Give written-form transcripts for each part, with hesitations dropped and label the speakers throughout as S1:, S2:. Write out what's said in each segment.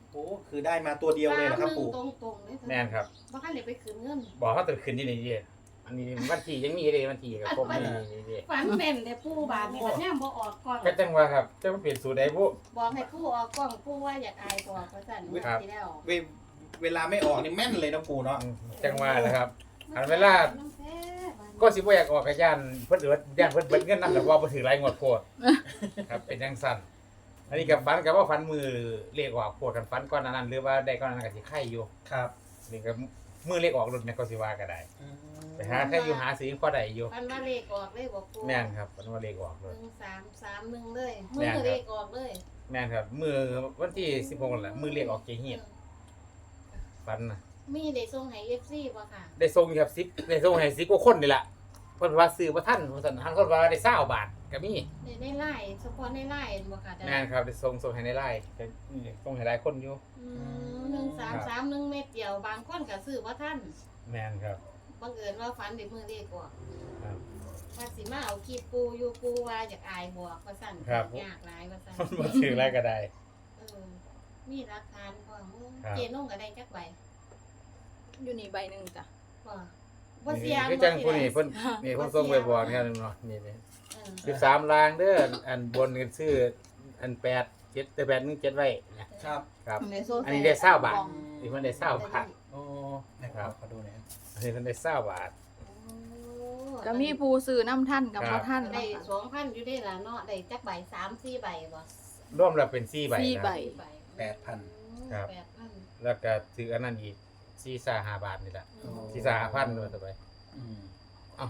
S1: โอ้คือได้มาตัวเดียวเลยเหรอครับปู่
S2: ตรงๆเลย
S3: แม่นครับ
S2: บ่คันได้ไปคืนเงิน
S3: บอกเขาตื่นขึ้นที่นี่อันนี้วันที่ยังมีเลยวันที่กับผมนี่
S2: ฝันแม่นแต่ปู่บาดนี่ก็ย่ำบ่ออกก่อน
S3: ก็จังว่าครับจะมาเปลี่ยนสูตรใดบุ
S2: บอกให้ปู่ออกกล้องปู่ว่าอยากอายบอกว่าซั่น
S3: ครับ
S2: ที่แล้ว
S1: เวลาไม่ออกนี่แม่นเลยนะปู่เนาะ
S3: จังว่าแหละครับ อันเวลา ก็สิบ่อยากออกกับย่านเพิ่นเอิดย่านเพิ่นเบิดเงินนำแต่ว่าบ่ถือรายงวดโพดครับเป็นจังซั่นอันนี้กับฟันกับว่าฟันมือเลขออกโพดกันฟันก่อนนั้นหรือว่าได้ก่อนนั้นก็สิไข่อยู่
S1: ครับ
S3: นี่ก็มือเลขออกรุ่นเนี่ยก็สิว่าก็ได้
S1: อืม
S3: ไปหาใครอยู่หาซื้อพอได้อยู่
S2: ฝันว่าเลขออกเลยบอกปู่
S3: แม่นครับฟันว่าเลขออกเลย
S2: 1331เลย
S3: แม่
S2: มื
S3: นครับ
S2: อเลขออกเลย
S3: แม่นครับมือวันที่16นั่นแหละมือเลขออกเจเฮียนฟันน่ะ
S2: มีได้ส่งให้ FC บ่ค่ะ
S3: ได้ส่งอยู่ครับ10ได้ส่งให้10กว่าคนนี่ล่ะเพิ่นว่าซื้อบ่ทันว่าซั่นหันคนว่าได้20บาทก็มี
S2: ในไลน์เฉพาะในไลน์บ่ค่ะ
S3: แม่นครับได้ส่งให้ในไลน์ก็ส่งให้หลายคนอยู่
S2: 1331เม็ดเดียวบางคนก็ซื้อบ่ทัน
S3: แม่นครับ
S2: บังเอิญว่าฝันได้มือเลขออก
S3: ครับ
S2: ว่าสิมาเอาคลิปปูอยู่ปูว่าอยากอายบอกว่าสั่น
S3: ครับ
S2: ยากหลายว่าสั่น
S3: มันบ่ถืออะไรก็ได้
S2: เออมีหลักฐานพร้อม
S3: ครับ
S2: เจนุ่งก็ได้จักใบ
S4: อยู่นี่ใบหนึ่งจ้ะ
S2: บ่บ่เสีย
S3: คือจังผู้นี้เพิ่นนี่เพิ่นส่งไปบอกเนี่ยเนาะนี่
S2: เออ
S3: 13ลางเด้ออันบนกันซื้ออัน8 7แต่8 1 7ไว้นะครับ ครับ อันนี้ได้20บาทนี่เพิ่นได้20บาท
S1: โอ้นะครับขอดูหน่อยครับ
S3: อันนี้เพิ่นได้20บาท
S4: ก็มีผู้ซื้อน้ำท่านกับ
S3: ครั
S4: พ่
S3: บ
S4: ท่าน
S2: ได้
S4: เนาะค่ะ
S2: 2,000อยู่ได้ล่ะเนาะได้จักใบ3-4ใบบ่
S3: รวมแล้วเป็น4ใบ
S4: สี่
S3: ค
S4: ใบ
S3: รับ
S1: 8,000
S3: ครับ
S2: 8,000
S3: แล้วก็ถืออันนั้นอีก4-5บาทนี่แหละ
S2: อืม
S3: 4-5,000ด้วยต่อไป
S1: อืม
S3: อ้าว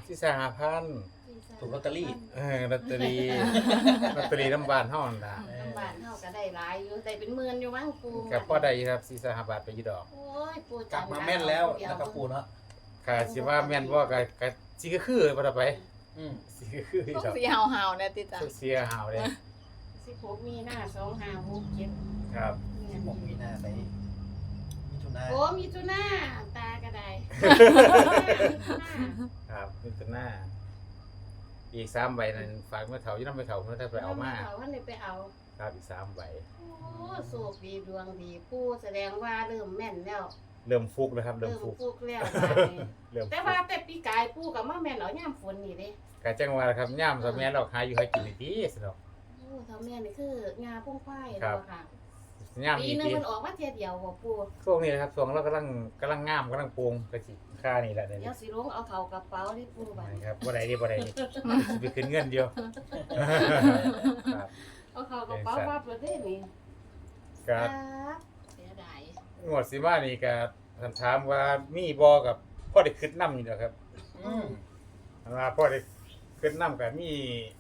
S3: 4-5,000
S1: ถูกลอตเตอรี่
S3: ลอตเตอรี่ลอตเตอรี่น้ำบานเฮานั่นล่ะ
S2: น้ำบ้านเฮาก็ได้หลายอยู่ได้เป็นหมื่นอยู่มั้งปู
S3: ก็พอได้อยู่ครับ4-5บาทไปอยู่ดอก
S2: โอ้ยปู
S1: กลับมาแม่นแล้วนะครับปู่เนาะ
S3: ค่ะสิว่าแม่นบ่ก็สิคือบ่ต่อไป
S1: อืม
S3: สิคือ
S4: ต้อง
S3: ดอก
S4: สีหาวๆเนี่ยติจ้ะ
S3: เสียหาวเลย
S2: 16มีนา2567
S3: ครับ
S1: 16มีนาไปมิถุนา
S2: โอ้มีจุน่าตาก็ได้
S3: ครับมิถุนาอีก3ใบนั้นฝากเมื่อเฒ่าอยู่นำไปเฒ่าเพิ่นถ้าไปเอามา
S2: เขาว่าเลยไปเอา
S3: ครับอีก3ใบ
S2: โอ้โชคดีดวงดีผู้แสดงว่าเริ่มแม่นแล้ว
S3: เริ่มฟุกแล้วครับเริ่
S2: เริ่
S3: ม
S2: ม
S3: ฟุก
S2: ฟุกแล้วบาดนี้
S3: เริ่ม
S2: แต่
S3: ฟุ
S2: ว่าก แต่ปีกายปู่กับมาแม่นเอาย่ามฝนนี่เด้
S3: ก็จังว่าครับย่ามซะแม่นเราหาอยู่ให้กินดีๆสิดอก
S2: โอ้เท่าแม่นี่คืองาพุ่งควาย
S3: ครับ
S2: เนาะค่ะ
S3: ย่าม
S2: ปี
S3: อี
S2: หนึง
S3: ที
S2: มันออกมาเที่ยเดียวบ่ปู่
S3: ช่วงนี้นะครับช่วงเรากำลังงามกำลังปรุงก็สิค่านี่แหละเดี๋ยว
S2: เดี๋
S3: นี้
S2: ยวสิลงเอาเข้ากระเป๋าที่ปู่บัดนี้
S3: ครับบ่ได้บ่สิไปขึ้นเงินเดียวครับ
S2: เอาเข้ากระเป๋าปั๊บเลยเด้นี่
S3: ก็
S2: ครับเสียดาย
S3: งวดสิมานี่ก็ท่านถามว่ามีบ่กับพ่อได้คิดนำอยู่ดอกครับ
S1: อืม
S3: อันว่าพ่อได้คิดนำก็มี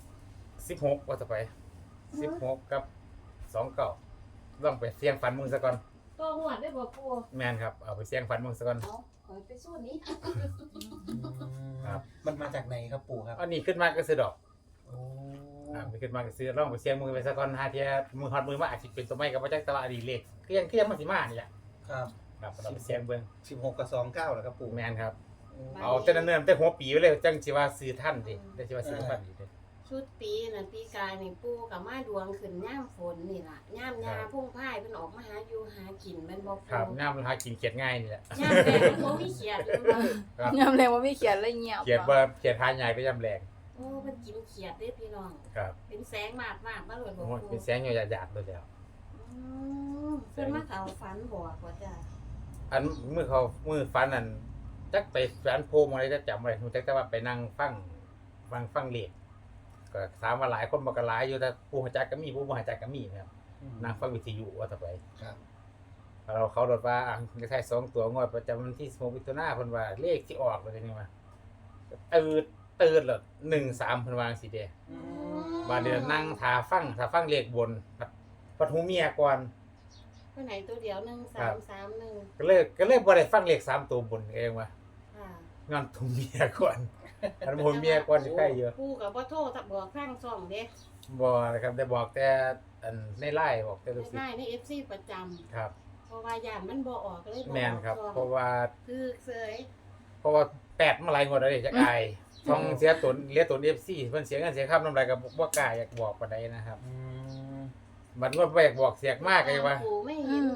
S3: 16ว่าต่อไป16กับ29ลองไปเสี่ยงฝันมึงซะก่อน
S2: ตัวหวดได้บ่ปู่
S3: แม่นครับเอาไปเสี่ยงฝันมึงซะก่อน
S2: เอาขอไปสู้นี้
S3: ครับ
S1: มันมาจากไหนครับปู่ครับ
S3: อันนี้ขึ้นมาก็ซื้อดอก
S1: โอ้
S3: ไม่ขึ้นมาก็ซื้อลองไปเสี่ยงมือไปซะก่อนหาเที่ยมือฮอดมือมาอาจสิเป็นตัวไม้ก็บ่จักแต่ว่าอดีเลขคือยังมันสิมานี่แหละ
S1: ครับ
S3: ครับเราไปเสี่ยงเบิ่ง
S1: 16กับ29เหรอครับปู่
S3: แม่นครับ
S1: โอ้
S3: เอาแต่เนิ่นๆแต่หัวปีไว้เลยจังสิว่าซื้อท่านดิได้สิว่าซื้อท่านดิ
S2: ชุดปีนั่นปีกายนี่ปู่กับมาดวงขึ้นย่ามฝนนี่ล่ะย่ามยาพุ่งพ่ายเพิ่นออกมาหาอยู่หากินแม่นบ่
S3: ครั
S2: ปู่
S3: บน้ำหากินเขียดง่ายนี่แหละ
S2: ย่ามแดงบ่มีเขียดเลยบ่
S3: ครับ
S4: ยำแรงว่าไม่เขียนเลยเงียบ
S3: เขียดว่าเขียดหาใหญ่ก็ย่ำแรง
S2: โอ้เพิ่นกินเขียดเด้พี่น้อง
S3: ครับ
S2: เป็นแสงมากมาเลยบ่
S3: โอ้ย
S2: ปู่
S3: เป็นแสงหยาดๆเลยแล้ว
S2: เพิ่นมาเข้าฝันบอกว่าจ้ะ
S3: อันมือฟันนั่นจักไปฝันโพมอะไรจะจำอะไรฮู้จักแต่ว่าไปนั่งฟังเลขก็ถามว่าหลายคนบ่ก็หลายอยู่แต่ผู้รู้จักก็มีผู้บ่รู้จักก็มีนะครับ
S1: อืม
S3: นั่งฟังวิทยุว่าต่อไป
S1: ครับ
S3: เขาโดดว่าเลขท้าย2ตัวงวดประจำวันที่16มิถุนายนเพิ่นว่าเลขที่ออกว่าจังนี้ว่าตื่นแล้ว13เพิ่นว่าจังซี่เด้
S1: อืม
S3: บาดเดี๋ยวนั่งท่าฟังเลขบนปัดหูเมียก่อน
S2: เพิ่นให้ตัวเดียว
S3: ครับ
S2: 1331
S3: ก็เลยบ่ได้ฟังเลข3ตัวบนเองว่า
S2: ค่ะ
S3: งอนหูเมียก่อนอันหูเมียก่อนสิใกล้อยู่
S2: ปู่ก็บ่โทรถ้าบอกทางช่องเด้
S3: บ่นะครับได้บอกแต่อันในไลน์บอกแต่ลูกศิษ
S2: ได้
S3: ย์
S2: ใน FC ประจำ
S3: ครับ
S2: เพราะว่าย่านมันบ่ออกก็เลยบ่
S3: แม่นครับ
S2: ออก
S3: เพราะว่า
S2: คือเสย
S3: แปดมาหลายงวดแล้วเด้จักอายช่องเสียตนเรียกตน FC เพิ่นเสียเงินเสียค่านำไรก็บ่กล้าอยากบอกปานใดนะครับ
S1: อืม
S3: บัดงวดบ่อยากบอกเสียกมากเลยว่า
S2: ปู่ไม่เห็นเลยว่า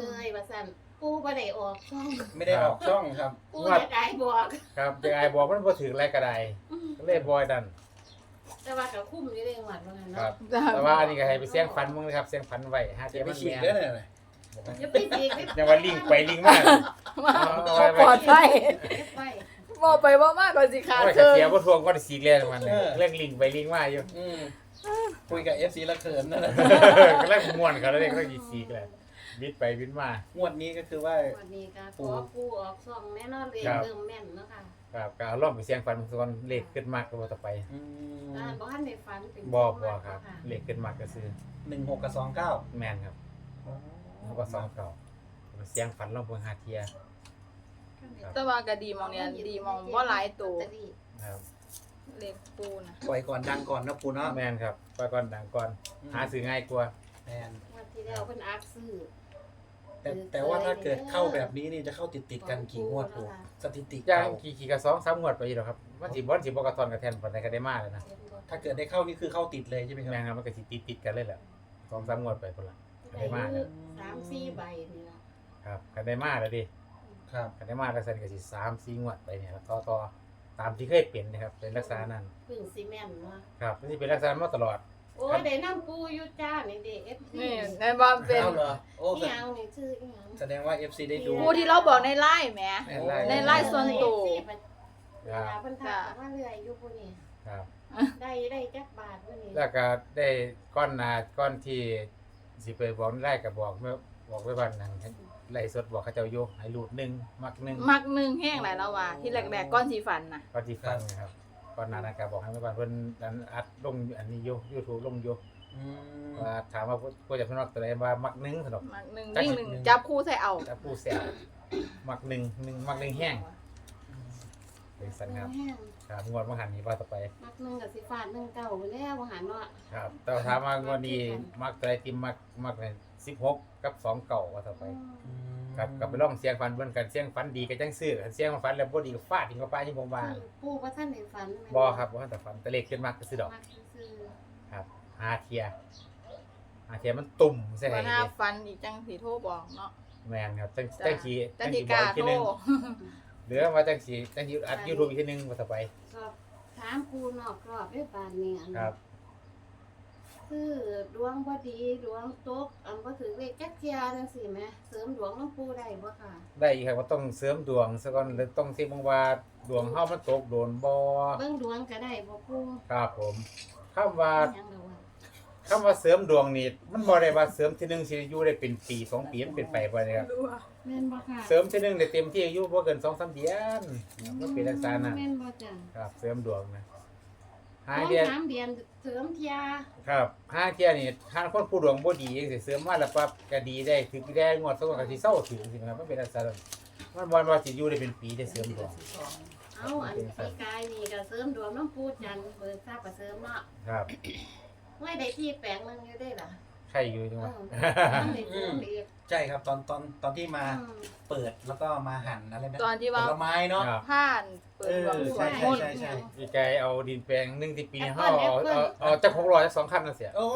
S2: สั่นปูบ่ได้ออกช่อง
S1: ไม่ได้ออกช่องครับ
S2: ปูอยากได้บอก
S3: ครับจะไอ้บอกมันบ่ถึงไรก็ได้ก็เลยบอยดัน
S2: แต่ว่าก็คุ้มอยู่เด้งหวัดว่างั้น
S3: ครั
S2: เนาะ
S3: บแต่ว่าอันนี้ก็ให้ไปเสี่ยงฝันมึงนะครับเสี่ยงฝันไว้หา
S1: จะ
S3: เทีย
S1: ไป
S3: มัน
S1: ฉีก
S3: แม่
S1: ได้เลย
S2: อย่าไปจีกไป
S3: ยังว่าลิงไปลิงมา
S4: บ่ปลอดภัย
S2: ไป
S4: บ่ไปบ่มากกว่าสิขาด
S3: โอ้ย
S4: เทิ
S3: เสีย
S4: ง
S3: บ่ทวงก็ได้สีเรียนมันเลยเรื่องลิงไปลิงมาอยู่
S1: คุยกับ FC ละเขินนั่นแหละ
S3: ก็เรื่องม่วนเขาแล้วเรียกเรื่องอีสีกเลยบิดไปบิดมาง
S1: วดนี้ก็คือว่า
S2: วันนี้ก็ขอปูออกช่องแน่นอนเลยเริ่มแม่นเนาะค่ะ
S3: ครับก็เอาล่องไปเสี่ยงฝันส่วนเลขขึ้นมากก็บ่ต่อไป
S2: บ้านในฝันเป็น
S3: บ่ครับเลขขึ้นมากก็ซื้อ
S1: 16 กับ 29
S3: แม่นครับแล้วก็2เก่าไปเสี่ยงฝันลองเบิ่งหาเทีย
S4: แต่ว่าก็ดีมองเนี่ยดีมองบ่หลายตัว
S3: ครับ
S4: เลขปูน่ะ
S1: ปล่อยก่อนดังก่อนนะปูเนาะ
S3: แม่นครับไปก่อนดังก่อนหาซื้อง่ายกว่า
S1: แมน
S2: วันที่แล้วเพิ่นอักซื้อ
S1: แต่ว่าถ้าเกิดเข้าแบบนี้นี่จะเข้าติดกันกี่งวดปูสถิติ
S3: ย่าง
S1: เก่า
S3: ขี่กับ2-3งวดไปอีกแล้วครับมันสิบ่กระทอนกระแทนปานใดก็ได้มาแล้วนะ
S1: ถ้าเกิดได้เข้านี่คือเข้าติดเลยใช่ไหมครับ
S3: แม่นครับมันก็สิติดกันเลยแหละ2-3งวดไปพุ่นล่ะก็ได้มาแล้ว
S2: 3-4 ใบนี่ล่ะ
S3: ครับก็ได้มาแล้วดิ
S1: ครับ
S3: ก็ได้มาแล้วซั่นก็สิ3-4งวดไปเนี่ยแล้วต่อตามที่เคยเป็นนะครับเป็นลักษณะนั้น
S2: พึ่งซีเมนต์เนาะ
S3: ครับมันสิเป็นลักษณะมาตลอด
S2: โอ้ได้น้ำปูอยู่จ้านี่เด้ FT
S4: นี่แม่นบ่เป็น
S1: เอาเหรอโอ้
S2: อีหยังนี่ชื่ออีหยัง
S1: แสดงว่า FC ได้ดู
S4: ปูที่เราบอกในไลน์แหม ในไลน์ส่วนตัว
S2: เวลาเพิ่นทักมาเรื่อยอยู่ผู้นี้
S3: ครับ
S2: ได้จักบาทผู้นี้
S3: แล้วก็ได้ก้อนที่สิไปบอกได้ก็บอกเมื่อบอกไว้วันนั้นไล่สดบอกเขาเจ้าอยู่ให้รูด1มัก1
S4: มักหนึ่งแห้งหลายแล้วว่าที่แรกๆก้อนสีฟันน่ะ
S3: ก็ที่ฟังนะครับก่อนหน้านั้นก็บอกให้ไว้วันเพิ่นอัดลงอันนี้อยู่ YouTube ลงอยู่
S1: อืม
S3: ว่าถามว่าผู้จะเพิ่นมักตัวใดว่ามัก1สนุก
S4: มักหนึ่งวิ่งหนึ่งจับคู่ใส่เอา
S3: ถ้าผู้แซวมัก1มัก1แห้งเป็นสันครับ
S2: แห้ง
S3: ครับงวดมาหันนี้ว่าต่อไป
S2: มักหนึงกับสิฟาดหนึงเก่าไปแล้วบ่หันเนาะ
S3: ครับแต่ถามว่างวดนี้มักตัวใดที่มัก16กับ2เก่าว่าต่อไปครับก็ไปลองเสียงฟันเบิ่งกันเสียงฟันดีก็จังซื้อคันเสียงฟันแล้วบ่ดีก็ฟาดทิ้งเข้าไปที่ผมว่า
S2: ปูบ่ทันได้ฝันแม่น
S3: บ่ครับบ่ทันแต่ฟันแต่เลขขึ้นมากก็ซื้อดอก
S2: มักซื่อ
S3: ครับหาเทียมันตุ่มใช่ไหม
S4: ว่าหน้าฟันอีกจังสีโทรบอกเนาะ
S3: แม่นครับจัง
S4: จัง
S3: สี
S4: จังสีกา
S3: ที
S4: โทร
S3: นึงหรือว่าจังสีอัด YouTube อีกทีนึงว่าต่อไป
S2: สอบถามปูนอกรอบด้วยปานนี้อัน
S3: ครับ
S2: คือดวงบ่ดีดวงตกบ่ถือเลขจักเที่ยจังซี่แหมเสริมดวงน้ำปูได้บ่ค่ะ
S3: ได้อีกครับว่าต้องเสริมดวงซะก่อนหรือต้องเช็คบ้างว่าดวงเฮามันตกโดนบ่
S2: เบิ่งดวงก็ได้บ่ปู
S3: ครับผมคำว่า
S2: หยังดอกว่า
S3: คำว่าเสริมดวงนี่มันบ่ได้ว่าเสริมทีนึงสิอยู่ได้เป็นปี2ปีมันเป็นไปบ่ได้ครับ
S2: แม่นบ่ค่ะ
S3: เสริมทีนึงได้เต็มที่อายุบ่เกิน 2-3 เดือนมันเป็นลักษณะนั้น
S2: แม่นบ่จ้ะ
S3: ครับเสริมดวงนะหา
S2: ต้อง
S3: เดือน
S2: 3เดือนเสริมเที่ย
S3: ครับหาเที่ยนี่ทางคนผู้ดวงบ่ดีจังสิเสริมมาแล้วปั๊บก็ดีได้ถึงได้งวด2ก็สิเซาถึงสิครับมันเป็นลักษณะนั้นมันบ่ว่าสิอยู่ได้เป็นปีได้เสริมดวง
S2: เอาอันปีกายนี่ก็เสริมดวงน้ำปูจันทร์เบิกทราบก็เสริมเนาะ
S3: ครับ
S2: ไว้ได้ที่แปลงนึงอยู่ได้ล่ะ
S3: ใครอยู่จังหวะ
S2: มันได้เสริมอีก
S1: ใช่ครับตอนที่มาเปิดแล้วก็มาหั่นอะไรนะ
S4: ตอนที่
S1: ผ
S4: ว่า
S1: ลไม้เนาะ
S3: ครับ
S4: ผ่านเปิดดวงสวดมนต์
S1: ใช่
S3: พี่ไก่เอาดินแปลง1ที่ปีนี้เฮาเอาจัก600จัก2คันนั่นเสีย
S1: โอ้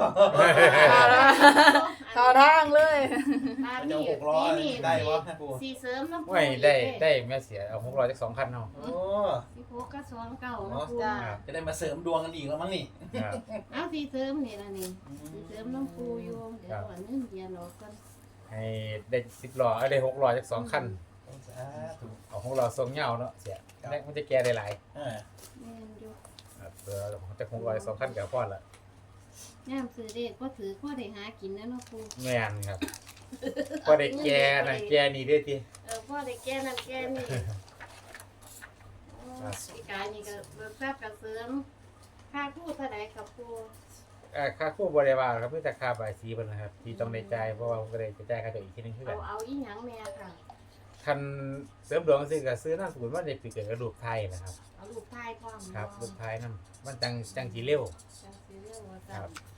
S4: เข้าทางเลย
S2: บ้าน
S1: เจ้า
S2: นี้
S1: 600
S2: นี่
S1: ได้วะปู
S2: สีเสริมน้ำปู
S3: ไม่ได้แม่เสียเอา600จัก2คันเนาะ
S1: โอ้
S2: สีโพกก็สอนเก่าน้ำปู
S4: จ้า
S1: จะได้มาเสริมดวงกันอีกแล้วมั้งนี่
S3: ครับ
S2: เอาสีเสริมนี่ล่ะนี่สีเสริมน้ำปูอยู่เดี๋ยวอันนึงเดียวรอก่อน
S3: ให้ได้10ล้อได้600จัก2คัน
S1: สาธุ
S3: เอา600ทรงยาวเนาะเสียแรกมันจะแก่ได้หลาย
S1: เออ
S2: แม่นอยู่
S3: ครับจัก600 2คันก็พอละ
S2: ย่ามซื้อเด็กก็ถือก็ได้หากินนะเนาะปู
S3: แม่นครับพอได้แก่นะแก่นี่เด้อติ
S2: พ่อได้แก้นั่นแก้นี่ปีกายนี่ก็เบิกทราบกับเสริมค่าพูดเท่าใดกับปู
S3: ค่าคู่บ่ได้ว่าครับมีแต่ค่าใบายสีเพิ่นนะครับที่ต้องได้จ่ายเพราะว่าผมก็ได้จ่ายค่าตัวอีกทีนึงคือกัน
S2: เอาอีหยังแม่ค่ะ
S3: คันเสริมดวงซื้อก็ซื้อนามสกุลว่าได้ปีเกิดกระดูกไทยนะครับ
S2: เอาลูกทายพร้อม
S3: ครับลูกไทยนำมันจังสิเร็ว
S2: จังสิเรียกว่า
S3: ครั
S2: จั
S3: บ
S2: ง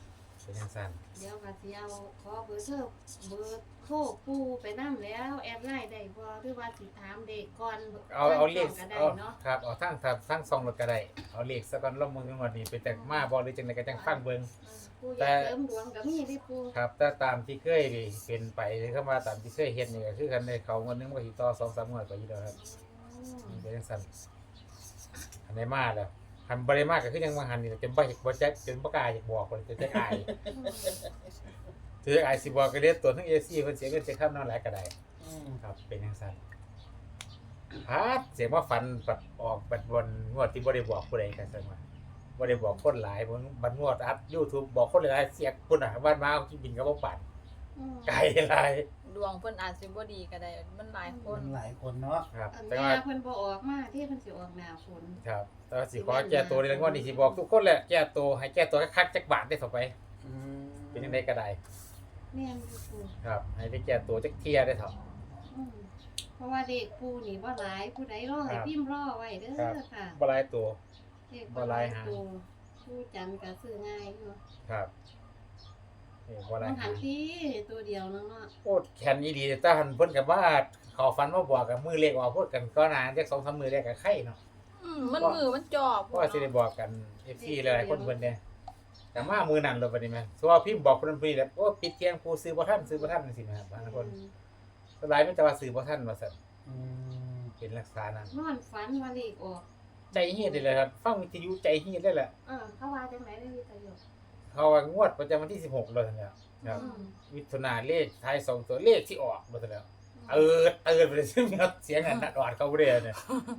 S3: เป็นจังซั่น
S2: เดี๋ยวก็สิเอาขอเบอร์โทรปูไปนำแล้วแอดไลน์ได้บ่หรือว่าสิถามเด็กก่อน
S3: เอาเลข
S2: ก็ได้
S3: เอา
S2: เนาะ
S3: ครับเอาทั้งซองรถก็ได้เอาเลขซะก่อนลองมึงงวดนี้เป็นแต่มาบ่หรือจังได๋ก็จังฟังเบิ่ง
S2: ปูอยากเสริมดวงก็มีเด้ปู
S3: ครับแต่ตามที่เคยเป็นไปเข้ามาตามที่เคยเฮ็ดนี่ก็คือกันได้เขางวดนึงก็สิต่อ 2-3 งวดก็อยู่แล้วครับเป็นจังซั่นอันไหนมาแล้วคันบ่ได้มาก็คือยังว่าหันนี่จนบ่จักจนบ่กล้าอยากบอกคนจะจักอายถืออายสิบอกก็เรียกตัวทั้ง AC เพิ่นเสียเงินเสียค่าน้ำหลายก็ได้ครับเป็นจังซั่นครับเสียงว่าฝันปัดออกบัดบนงวดที่บ่ได้บอกผู้ใดกันซั่นว่าบ่ได้บอกคนหลายบัดงวดอัพ YouTube บอกคนหลายเสียกพุ่นน่ะบ้านมาเอากินบินก็บ่ปานไกลหลาย
S4: ดวงเพิ่นอาจสิบ่ดีก็ได้มันหลายคน
S1: หลายคนเนาะ
S3: ครับ
S2: อัน
S3: แต่
S2: แม่
S3: ว่า
S2: เพิ่นบ่ออกมาที่เพิ่นสิออกหน้าฝน
S3: ครับแต่ว่าสิขอแก้ตัวในงวดนี้สิบอกทุกคนแหละแก้ตัวให้แก้ตัวคักๆจักบาทได้ต่อไป เป็นจังได๋ก็ได้
S2: แม่นอยู่ปู
S3: ครับให้ได้แก้ตัวจักเที่ยได้เถาะ
S2: อืมเพราะว่าเด็กปูนี่บ่หลายผู้ใดรอให้พิมพ์รอไว้เด้อค่ะ
S3: บ่หลายตัว
S2: เด็ก
S3: บ่หลายหา
S2: ปูผู้จันทร์ก็ซื้อง่ายอยู่
S3: ครับบ่หลา
S2: ต้
S3: ย
S2: องหันที่ตัวเดียวนึงเนาะ
S3: โอ้แคนอีดีแต่หันเพิ่นก็ว่าเขาฝันมาบอกกับมือเลขออกพูดกันก็นานจัก 2-3 มื้อแรกก็ไข่เนาะ
S4: มันมือมันจอบ
S3: เพราะว่าสิได้บอกกัน FC หลายๆคนเพิ่นเนี่ยแต่มามื้อนั้นเลยบัดนี้แม่เพราะว่าพิมพ์บอกเพิ่นพี่แล้วโอ้ปิดเที่ยงผู้ซื้อบ่ทันจังซี่นะครับบางคนสลายมันจะว่าซื้อบ่ทันว่าซั่นเป็นลักษณะนั้น
S2: นอนฝันว่าเลขออก
S3: ใจเฮียดเลยครับฟังวิทยุใจเฮียดได้แหละ
S2: เขาว่าจังไหนได้วิทยุ
S3: เขาว่างวดประจำวันที่16เลยแล้วครับ
S2: อืม
S3: มิถุนาเลขท้าย2ตัวเลขที่ออกบ่ซั่นแล้วตื่นไปเลยซึ่งครับเสียงอันนัดออดเขาบ่ได้เนี่ย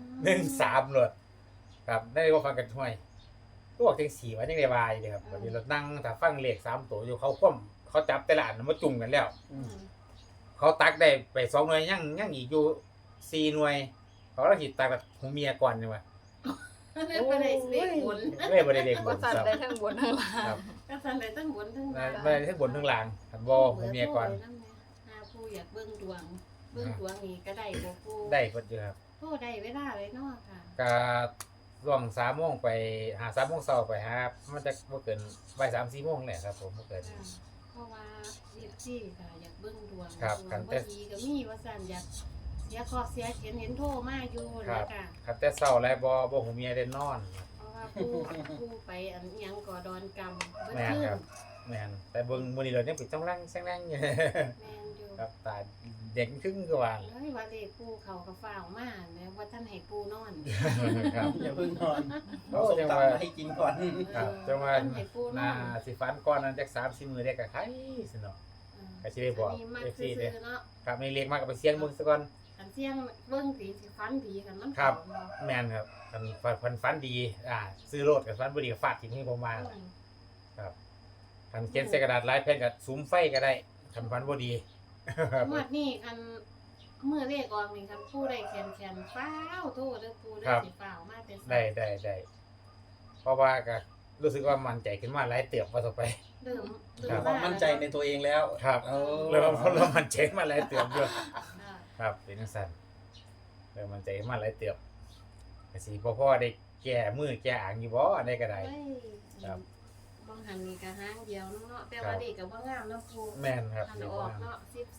S3: 13เลยครับได้ก็ฟังกันห้วยก็บอกจัง4ว่าจังได๋ว่าอยู่เลยครับบัดนี้เรานั่งถ้าฟังเลข3ตัวอยู่เขาคว่ำเขาจับแต่ละอันมาจุ่มกันแล้ว เขาตักได้ไป2หน่วยยังอีกอยู่4หน่วยเขาละสิตักแบบหูเมียก่อนนี่ว่า
S2: เล่นไปได้เลขบน
S3: ไม่บ่ได้เลขบ
S4: ก็
S3: น
S4: สั่น
S3: ครับ
S4: ได้ทั้งบนทั้งล่าง
S3: ครับ
S2: ก็สั่นได้ทั้งบนทั้ง
S3: ได้
S2: ล่าง
S3: ได้ทั้งบนทั้งล่างครับบ่หูเมียก่อน
S2: หาผู้อยากเบิ่งดวงนี่ก็ได้บ่ปู
S3: ได้เพิ่นอยู่ครับ
S2: โทรได้เวลาเลยเนาะค่ะ
S3: ก็ช่วง3โมงไปหา3โมงเช้าไปหามันจะบ่เกินบ่าย3-4โมงแหละครับผมบ่เกิน
S2: เพราะว่าเรียกที่ค่ะอยากเบิ่งดวง
S3: ครับ
S2: ดว
S3: คั
S2: ง
S3: นแต่
S2: บ่ดีก็มีว่าซั่นอยากเสียคอเสียเห็นโทรมาอยู่
S3: ครั
S2: นะ
S3: บ
S2: คะ
S3: ครับแต่เช้าแล้วบ่หูเมียได้นอน
S2: เพราะว่าผู้ไปอันหยังก่อดอนกรรมเบิ่
S3: แม่น
S2: ขึ้น
S3: ครับแม่นแต่เบิ่งมื้อนี้เรายังปิดจ้องรังแซงแรงอยู่
S2: แม่นอยู่
S3: ครับตาเด็กครึ่งก็ว่า
S2: เฮ้ยว่าเลขปูเขาก็ฟ้าวมาแล้วว่าท่านให้ปูนอน
S3: ครับ
S1: อย่าเพิ่งนอน
S3: โอ้
S1: เอาส้ม
S3: จัง
S1: ตำ
S3: ว่า
S1: มาให้กินก่อน
S3: ครับจังว่า
S2: ท่านให้ปูน
S3: น่า
S2: อน
S3: สิฝันก่อนนั้นจัก3-4มื้อได้ก็ไข่สิเนาะ ก็สิได้บอก
S2: นนี้มัก
S3: FC
S2: ซื้อ
S3: เด้
S2: ๆเนาะ
S3: ครับในเรียกมากก็ไปเสียงเบิ่งซะก่อน
S2: คันเสียงเบิ่งผีสิฟันผีกันมัน
S3: ครับ
S2: เข้าเนาะ
S3: แม่นครับคันฝันดีซื้อโลดกับฝันบ่ดีก็ฟาดทิ้งให้ผมมาล่ะครับคันเขียนใส่กระดาษลายแผ่นก็สุมไฟก็ได้คันฝันบ่ดีครับ
S2: งวดนี้คันเมื่อเลขออกนี่คันปูได้แขนฟ้าวโทษเด้อปูได้
S3: ครับ
S2: สิฟ้าวมาแต่
S3: ได้เพราะว่าก็รู้สึกว่ามั่นใจขึ้นมาหลายเติบว่าต่อไป
S2: เริ่ม
S3: ครับ
S1: ความมั่นใจในตัวเองแล้ว
S3: ครับ
S1: เอา
S3: เริ่มมั่นใจมาหลายเติบอยู่
S2: อ่า
S3: ครับเป็นจังซั่นเริ่มมั่นใจมาหลายเติบก็สิบ่พอได้แก้มือแก้อ่างอยู่บ่อันใดก็ได้
S2: เฮ้ย
S3: ครับ
S2: บางหันนี่ก็หางเดียวเนาะแต่ว่าเด็กก็บ่งามเนาะปู
S3: แม่นครับ
S2: หัน
S3: เดี๋ยว
S2: ออก
S3: ว่า
S2: เนาะ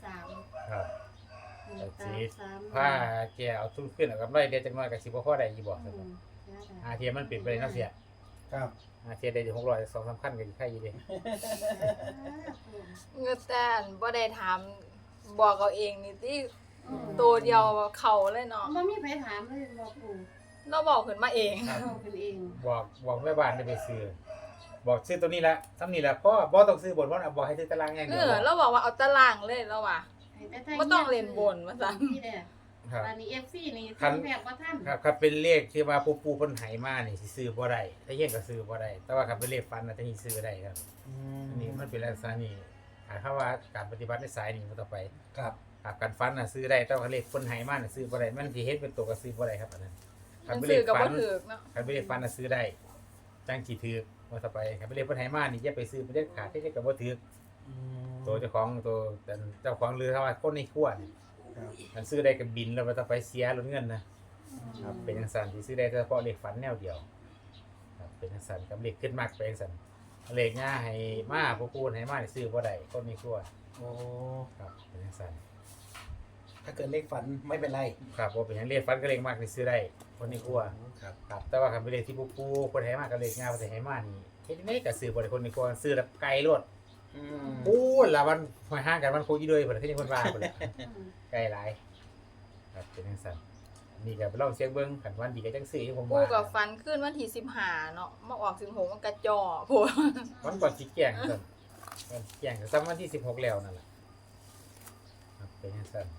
S2: 13
S3: ครับ
S2: ตาสาม
S3: ผ้าแกเอาทุนขึ้นเอากำไรเดี๋ยวจังน้อยก็สิบ่พอได้อีบ่
S2: อื
S3: ซั่น
S2: ม
S3: อาเทียมันเป็นไปได้เนาะเสีย
S1: ครับ
S3: อาเทียได้อยู่600 2-3คันก็อยู่ใครอยู่เด้
S4: เงือแต่นบ่ได้ถามบอกเอาเองนี่ที่
S2: อืม
S4: ตัวเดียวเขาเลยเนาะ
S2: บ่มีใครถามเลยบอกปู
S4: เราบอกขึ้นมาเอง
S2: เราเป็นเอง
S3: บอกแม่บ้านได้ไปซื้อบอกซื้อตัวนี้ละซ้ำนี่ละพ่อบ่ต้องซื้อบนว่าบอกให้ซื้อตารางอย่าง
S4: เอ
S3: เดียว
S4: อเราบอกว่าเอาตารางเลยแล้วว่ะ
S2: ให้แต่
S4: บ่ต้องเล่นบนว่าซั่น
S2: นี่แหละ
S3: ครับ
S2: อันนี้ FC นี่
S3: คัน
S2: ทำแบบว่าท่าน
S3: ครับครับเป็นเลขที่ว่าปู่เพิ่นให้มานี่สิซื้อบ่ได้ถ้าเฮ็ดก็ซื้อบ่ได้แต่ว่าครับเป็นเลขฟันน่ะจะนี่ซื้อได้ครับอันนี้มันเป็นลักษณะนี้หมายความว่าการปฏิบัติในสายนี้มันต่อไป
S1: ครับ
S3: ครับการฟันน่ะซื้อได้แต่ว่าเลขเพิ่นให้มาน่ะซื้อบ่ได้มันสิเฮ็ดเป็นตัวก็ซื้อบ่ได้ครับอันนั้น
S4: มันซื้อกับบ่ถูกเนาะ
S3: คันเป็นเลขฟันน่ะซื้อได้จังสิถูกว่าต่อไปคันเป็นเลขเพิ่นให้มานี่อย่าไปซื้อบ่ได้ขาดที่จะก็บ่ถูก ตัวเจ้าของตัวเจ้าของเรือเขาว่าคนในขั้วนี่
S1: ครับ
S3: มันซื้อได้กับบินแล้วมันต้องไปเสียลดเงินนะครับเป็นจังซั่นที่ซื้อได้เฉพาะเลขฝันแนวเดียวครับเป็นจังซั่นกับเลขขึ้นมากเป็นจังซั่นเลขง่าให้มาผู้พูดให้มาได้ซื้อบ่ได้คนมีครัว
S1: โอ้
S3: ครับเป็นจังซั่น
S1: ถ้าเกิดเลขฝันไม่เป็นไร
S3: ครับบ่เป็นหยังเลขฟันก็เลขมากได้ซื้อได้คนมีครัว
S1: ครับ
S3: ครับแต่ว่าคันเป็นเลขที่ผู้พูดคนให้มาก็เลขง่าบ่ได้ให้มานี่เฮ็ดจังได๋ก็ซื้อบ่ได้คนมีครัวซื้อแบบไกลโลด
S1: อืม
S3: พูดละวันหอยห่างกันมันคุยอยู่ด้วยเพิ่นคือจังเพิ่นว่าพุ่นล่ะ ไกลหลายครับเป็นจังซั่นนี่ก็ไปลองเสียงเบิ่งคันวันดีก็จังซื้อผม
S4: ปู
S3: ว่า
S4: กับฟันขึ้นวันที่15เนาะมาออก16มันกระจอโพด
S3: วันก่อนสิแจ้งซั่นวันแจ้งก็ซ้ำวันที่16แล้วนั่นแหละครับเป็นจังซั่น